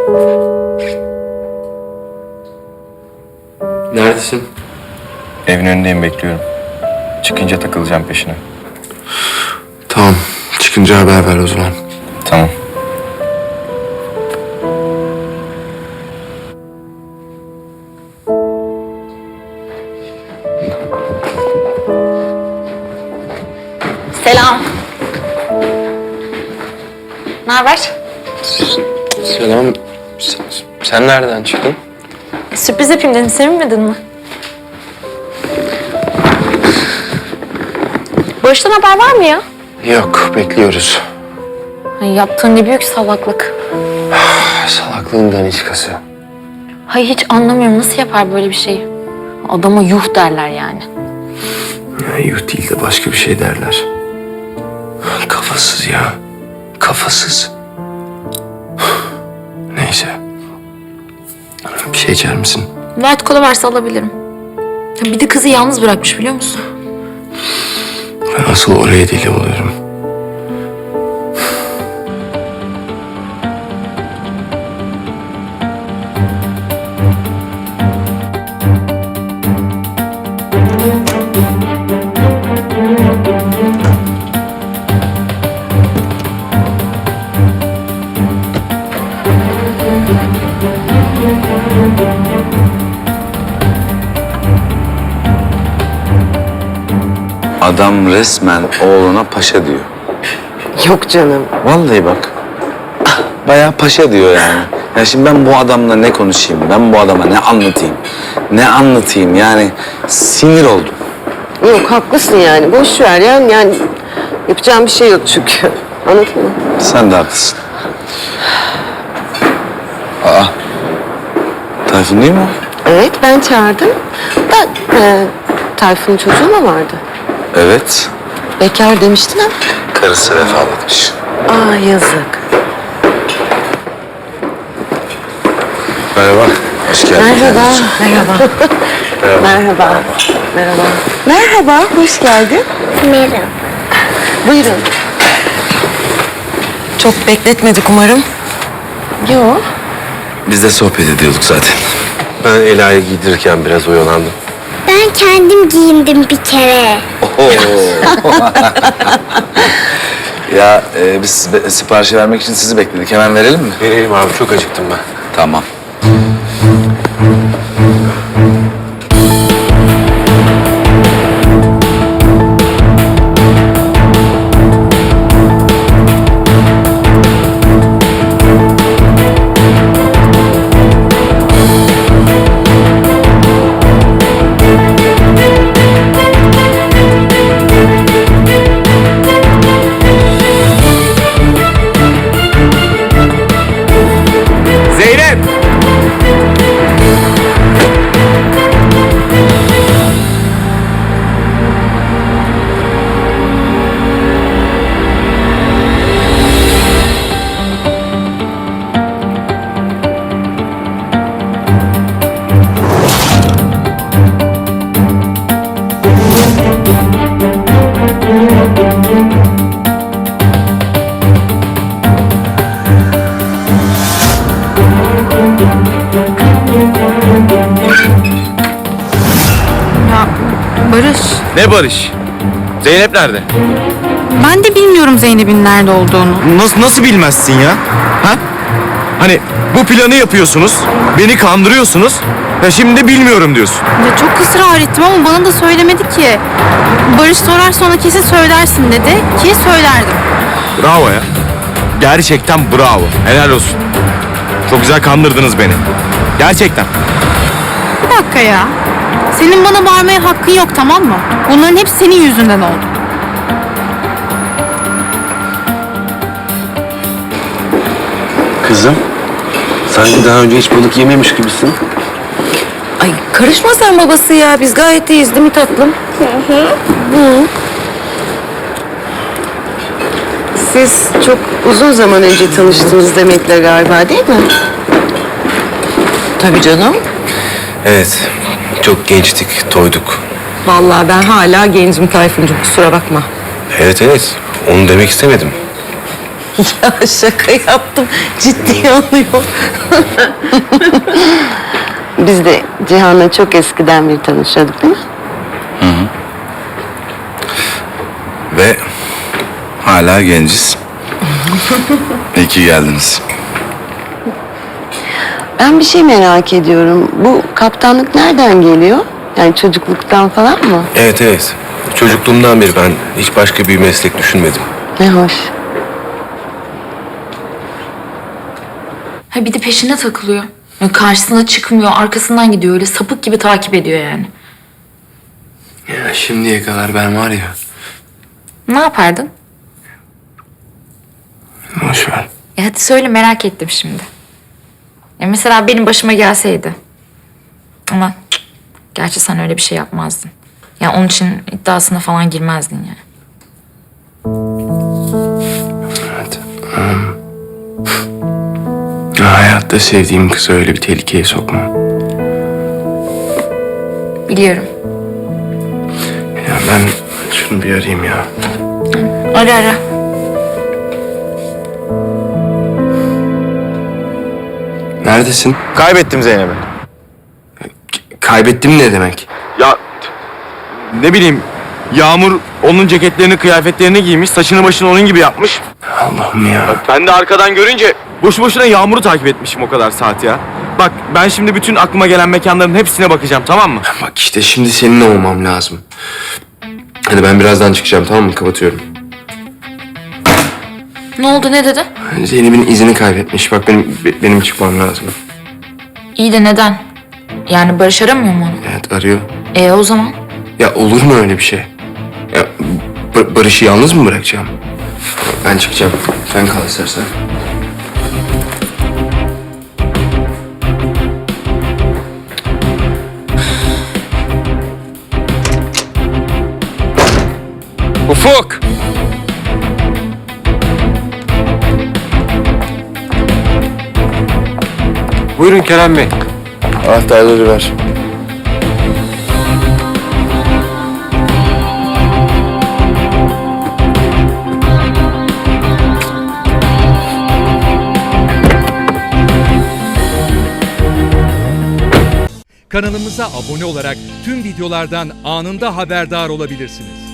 Neredesin? Evin önündeyim, bekliyorum. Çıkınca takılacağım peşine. Tamam. Çıkınca haber ver o zaman. Tamam. Selam. Ne haber? Selam. Sen nereden çıktın? Sürpriz yapayım dedim, sevinmedin mi? Barış'tan haber var mı ya? Yok, bekliyoruz. Ay, yaptığın ne büyük salaklık. Salaklığın daniskası. Hayır, hiç anlamıyorum, nasıl yapar böyle bir şeyi? Adama yuh derler yani. Ya, yuh değil de başka bir şey derler. Kafasız ya. Kafasız. Neyse. Bir şey içer misin? White kola varsa alabilirim. Ya bir de kızı yalnız bırakmış, biliyor musun? Ben asıl oraya deli oluyorum. Adam resmen oğluna paşa diyor. Yok canım. Vallahi bak. Bayağı paşa diyor yani. Ya şimdi ben bu adamla ne konuşayım? Ben bu adama ne anlatayım? Ne anlatayım yani? Sinir oldum. Yok haklısın yani. Boş ver ya. Yani yapacağım bir şey yok çünkü. Anladın mı? Sen de haklısın. Aa. Tayfun değil mi o? Evet ben çağırdım. Da Tayfun'un çocuğu mu vardı? Evet. Bekar demiştin ama. Karısı vefat etmiş. Aa yazık. Merhaba. Hoş geldin. Merhaba. Merhaba. Merhaba. Merhaba. Merhaba. Hoş geldin. Merhaba. Buyurun. Çok bekletmedik umarım. Yok. Biz de sohbet ediyorduk zaten. Ben Ela'yı giydirirken biraz oyalandım. Ben kendim giyindim bir kere. Ya biz siparişi vermek için sizi bekledik. Hemen verelim mi? Vereyim abi, çok acıktım ben. Tamam. Zeynep! Ya Barış, Ne Barış? Zeynep nerede? ben de bilmiyorum Zeynep'in nerede olduğunu. Nasıl bilmezsin ya? Ha? Hani bu planı yapıyorsunuz, beni kandırıyorsunuz. Ya şimdi bilmiyorum diyorsun. Ya çok ısrar ettim ama bana da söylemedi ki. Barış sorar sonra kesin söylersin dedi ki söylerdim. Bravo ya. Gerçekten bravo. Helal olsun. Çok güzel kandırdınız beni. Gerçekten. Bir dakika ya. Senin bana bağırmaya hakkın yok, tamam mı? Bunların hepsi senin yüzünden oldu. Kızım, sanki daha önce hiç balık yememiş gibisin. Ay karışma sen babası ya. Biz gayet iyiyiz değil mi tatlım? Hı. Siz çok uzun zaman önce tanıştınız Demet'le galiba değil mi? Tabii canım. Evet, çok gençtik, toyduk. Vallahi ben hala gencim Tayfuncuğum, kusura bakma. Evet, onu demek istemedim. Ya şaka yaptım. Ciddi alıyor. Biz de Cihan'la çok eskiden beri tanışıyorduk değil mi? Ve hala genciz. İyi ki geldiniz. Ben bir şey merak ediyorum. Bu kaptanlık nereden geliyor? Yani çocukluktan falan mı? Evet evet. Çocukluğumdan beri ben hiç başka bir meslek düşünmedim. Ne hoş. Ha bir de peşine takılıyor. Ya karşısına çıkmıyor, arkasından gidiyor. Öyle sapık gibi takip ediyor yani. Ya şimdiye kadar ben var ya. Ne yapardın? Boş ver. Hadi söyle, merak ettim şimdi. Ya mesela benim başıma gelseydi. Ama gerçi sen öyle bir şey yapmazdın. Ya onun için iddiasına falan girmezdin yani. Evet. Hayatta sevdiğim kızı öyle bir tehlikeye sokma. Biliyorum. Ya ben şunu bir arayayım ya. Ara ara. Neredesin? Kaybettim Zeynep'i. Kaybettim ne demek? Ya ne bileyim Yağmur onun ceketlerini, kıyafetlerini giymiş, saçını başını onun gibi yapmış. Allah'ım ya. Ben de arkadan görünce boşu boşuna Yağmur'u takip etmişim o kadar saat ya. Bak ben şimdi bütün aklıma gelen mekanların hepsine bakacağım, tamam mı? Bak işte şimdi seninle olmam lazım. Hadi ben birazdan çıkacağım, tamam mı? Kapatıyorum. Ne oldu, ne dedi? Zeynep'in izini kaybetmiş. Bak benim çıkmam lazım. İyi de neden? Yani Barış aramıyor mu onu? Evet arıyor. O zaman? Ya olur mu öyle bir şey? Ya Barış'ı yalnız mı bırakacağım? Ben çıkacağım. Sen kal istersen. Ufuk! Buyurun Kerem Bey. Anahtarları ver. Kanalımıza abone olarak tüm videolardan anında haberdar olabilirsiniz.